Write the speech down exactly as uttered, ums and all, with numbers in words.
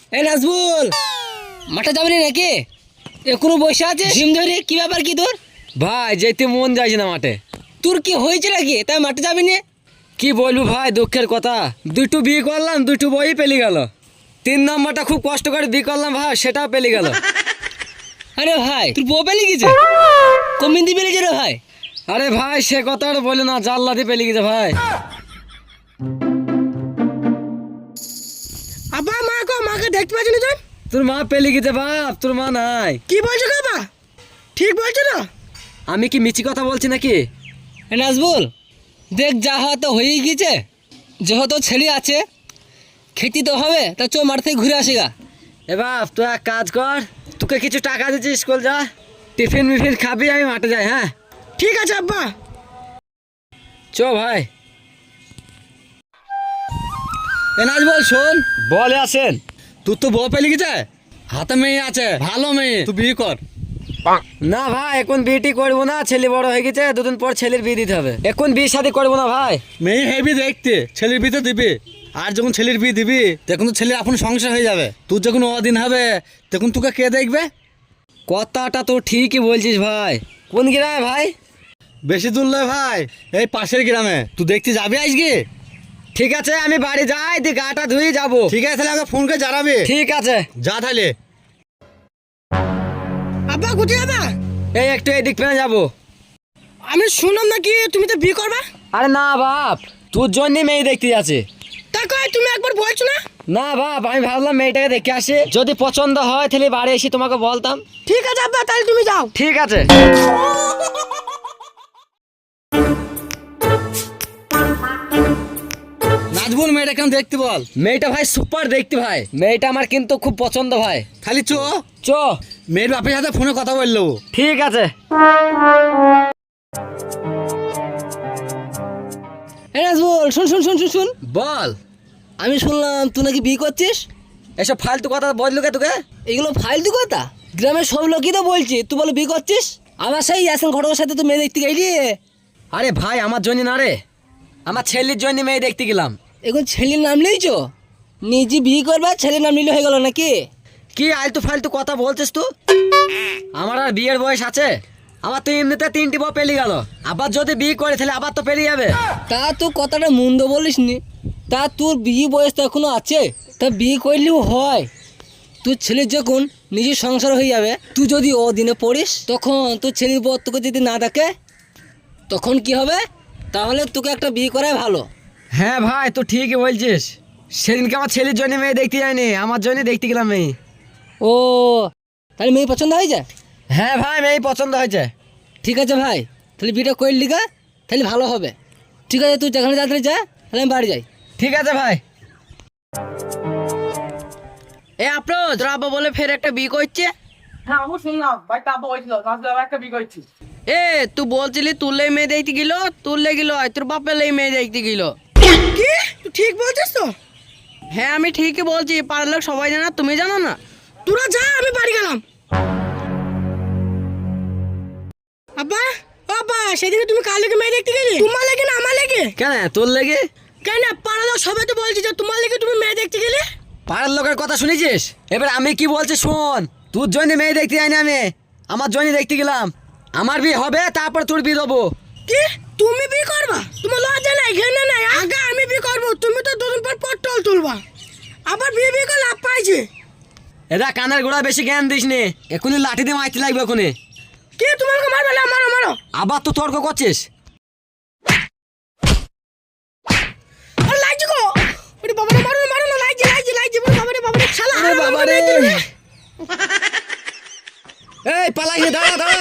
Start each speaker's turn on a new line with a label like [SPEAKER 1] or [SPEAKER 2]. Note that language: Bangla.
[SPEAKER 1] এই নাজবুল, মাঠে যাবি না নাকি? এখনো বসে আছে জিম ধরে? কি ব্যাপার কি তোর?
[SPEAKER 2] ভাই যেতে মন যাইছে না মাঠে।
[SPEAKER 1] তোর কি হয়েছে নাকি তাই মাঠে যাবি না?
[SPEAKER 2] কি বলবো ভাই, দুঃখের কথা। দুটো বিয়ে করলাম, দুটো বই পেলে গেল। তিন নম্বরটা খুব কষ্ট করে বিয়ে করলাম ভাই, সেটাও পেলে গেল।
[SPEAKER 1] আরে ভাই তোর বউ পেলে গেছে? কমিন দি পেলে রে ভাই?
[SPEAKER 2] আরে ভাই সে কথা আর বলে না, জাল্লাদি পেলে গেছে ভাই।
[SPEAKER 1] আব্বা মা কো, মাকে দেখতে পাচ্ছি না তুই?
[SPEAKER 2] তোর মা পেলে গেছে বাপ, তোর মা নাই।
[SPEAKER 1] কি বলছো বাবা? ঠিক বলছো না?
[SPEAKER 2] আমি কি মিছি কথা বলছি নাকি?
[SPEAKER 1] এ নাজবুল, দেখ যা হওয়া তো হয়েই গেছে। যেহেতু ছেলে আছে খেতে তো হবে, তা চো মাঠ থেকে ঘুরে আসি গা।
[SPEAKER 2] এ বাপ তুই এক কাজ কর, তোকে কিছু টাকা দিচ্ছি, স্কুল যা, টিফিন মিফিন খাবি, আমি মাঠে যাই। হ্যাঁ
[SPEAKER 1] ঠিক আছে আব্বা।
[SPEAKER 2] চ ভাই।
[SPEAKER 1] এ নাজবুল শোন,
[SPEAKER 2] বলে আসেন।
[SPEAKER 1] তোর তো বউ পেলে গেছে, হাতে মেয়ে আছে, ভালো মেয়ে, তুই বিয়ে কর।
[SPEAKER 2] না ভাই এখন বিয়েটি করবো না, ছেলে বড় হয়ে গেছে, দুদিন পর ছেলের বিয়ে দিতে হবে। এখন বিয়ে শাদী করবো না ভাই।
[SPEAKER 3] মেয়ে হেবি দেখতে, ছেলের বিয়ে তো দিবি। আর যখন ছেলের বিয়ে দিবি তখন তো ছেলের আপন সংসার হয়ে যাবে। তোর যখন অদিন হবে তখন তোকে কে দেখবে?
[SPEAKER 2] কথাটা তো ঠিকই বলছিস ভাই। কোন গ্রামে ভাই?
[SPEAKER 3] বেশি দূর নয় ভাই, এই পাশের গ্রামে। তুই দেখতে যাবি আজকে?
[SPEAKER 2] ঠিক আছে আমি বাড়ি যাই, দিয়ে গাটা ধুয়ে যাবো।
[SPEAKER 3] ঠিক আছে তাহলে আমাকে ফোন করে জানাবি।
[SPEAKER 2] ঠিক আছে
[SPEAKER 3] যা তাহলে।
[SPEAKER 1] আব্বা কোথায় যাবা?
[SPEAKER 2] এই একটু এদিক ফেলে যাবো।
[SPEAKER 1] আমি শুনলাম নাকি তুমি তো বিয়ে করবা?
[SPEAKER 2] আরে না বাপ, তোর জন্য মেয়ে দেখতে যাচ্ছে।
[SPEAKER 1] তা কয় তুমি একবার বলছো না?
[SPEAKER 2] না বাপ, আমি ভাবলাম মেয়েটাকে দেখে আসি, যদি পছন্দ হয় তাহলে বাড়ি এসে তোমাকে বলতাম।
[SPEAKER 1] ঠিক আছে আব্বা, তাহলে তুমি যাও।
[SPEAKER 2] ঠিক আছে।
[SPEAKER 3] নাজবুল মেয়েটা কেন দেখতে বল।
[SPEAKER 2] মেয়েটা ভাই সুপার দেখতে ভাই, মেয়েটা আমার কিন্তু খুব পছন্দ ভাই।
[SPEAKER 3] খালি চো,
[SPEAKER 2] চ।
[SPEAKER 3] মেয়ের বাপের সাথে ফোনে কথা বললো।
[SPEAKER 2] ঠিক আছে।
[SPEAKER 1] এ নাজবুল শুন শুন শুন শুন শুন,
[SPEAKER 2] বল।
[SPEAKER 1] আমি শুনলাম তুই নাকি বিয়ে করছিস।
[SPEAKER 2] এসব ফালতু কথা বললো কে তোকে?
[SPEAKER 1] এগুলো ফালতু কথা, গ্রামের সব লোকই তো বলছি তুই বলে বিয়ে করছিস। আমার সেই ইয়াসিন ঘটকের সাথে তুই মেয়ে দেখতে গেলি।
[SPEAKER 2] আরে ভাই আমার জন্য না রে, আমার ছেলের জন্য মেয়ে দেখতে গেলাম।
[SPEAKER 1] এখন ছেলের নাম নিয়েছো, নিজে বিয়ে করবা, ছেলের নাম নিলে হয়ে গেল নাকি?
[SPEAKER 2] কি আলতু ফালতু কথা বলছিস তুই? আমার আর বিয়ের বয়স আছে? আমার তো এমনিতে তিনটি বউ পেলে গেল, আবার যদি বিয়ে করে তাহলে আবার তো পেরিয়ে যাবে।
[SPEAKER 1] তা তুই কথাটা মন্দ বলিস নি। তা তোর বিয়ে বয়স তো এখনো আছে, তা বিয়ে করলেও হয়। তোর ছেলের যখন নিজের সংসার হয়ে যাবে, তুই যদি ও দিনে পড়িস, তখন তোর ছেলের বর তোকে যদি না দেখে তখন কি হবে? তাহলে তোকে একটা বিয়ে করাই ভালো।
[SPEAKER 2] হ্যাঁ ভাই তো ঠিকই বলছিস, সেদিনকে আমার ছেলের জন্য মেয়ে দেখতে যায়নি, আমার জন্য দেখতে গেলাম মেয়ে।
[SPEAKER 1] ও তাহলে মেয়ে পছন্দ হয়ে যায়?
[SPEAKER 2] হ্যাঁ ভাই মেয়ে পছন্দ হয়েছে।
[SPEAKER 1] ঠিক আছে ভাই, তাহলে বিয়েটা করলি গা, তাহলে ভালো হবে। ঠিক আছে তুই যেখানে তাড়াতাড়ি যা, তাহলে আমি বাড়ি যাই।
[SPEAKER 2] ঠিক আছে ভাই।
[SPEAKER 1] এ আপনার তোর আব্বা বলে ফের একটা বিয়ে করছে।
[SPEAKER 4] হ্যাঁ আমি শুনলাম ভাই, তা বলছিল নাজবুল আবার একটা বিয়ে করছি।
[SPEAKER 1] এ তুই বলছিলি তুললে মেয়ে দেখতে গেল, তুললে গেল তোর বাপের মেয়ে দেখতে গেল। কি তুই ঠিক বলছিস তো? হ্যাঁ আমি ঠিকই বলছি, পাড়ার লোক সবাই জানা, তুমি জানো না? তোরা যা, আমি বাড়ি গেলাম। আব্বা আব্বা, সেদিকে তুমি কার লেগে মেয়ে দেখতে গেলে? তোমার লেগে না আমার লেগে?
[SPEAKER 2] কেন তোর লেগে?
[SPEAKER 1] কেন পাড়ার লোক সবাই তো বলছে যে তোমার লেগে তুমি মেয়ে দেখতে গেলে।
[SPEAKER 2] পাড়ার লোকের কথা শুনেছিস? এবার আমি কি বলছি শোন, তোর জন্য মেয়ে দেখতে যাইনি আমি, আমার জন্য দেখতে গেলাম। আমার বিয়ে হবে তারপর তোর বিয়ে দেবো।
[SPEAKER 1] কি তুমি বিয়ে করবা? তোমার লজ্জা নাই ঘেন্না নাই? আগে আমি বিয়ে করবো, তুমি তো দুদিন পর পটল তুলবা, আবার বিয়ে বিয়ে করে লাভ পাইছে।
[SPEAKER 2] এরা কানের গোড়া বেশি জ্ঞান দিস নে, এখনই লাঠি দিয়ে মাইতে লাগবে এখনই।
[SPEAKER 1] কে তোমাকে মারবে? না মারো মারো।
[SPEAKER 2] আবার তো তর্ক করছিস?
[SPEAKER 1] আরে লাগছে গো, ওরে বাবা রে, মারো না মারো না, লাগছে লাগছে লাগছে, ওরে বাবা রে বাবা রে, শালা
[SPEAKER 2] আরে বাবা রে। এই পালাই হে, দাঁড়া দাঁড়া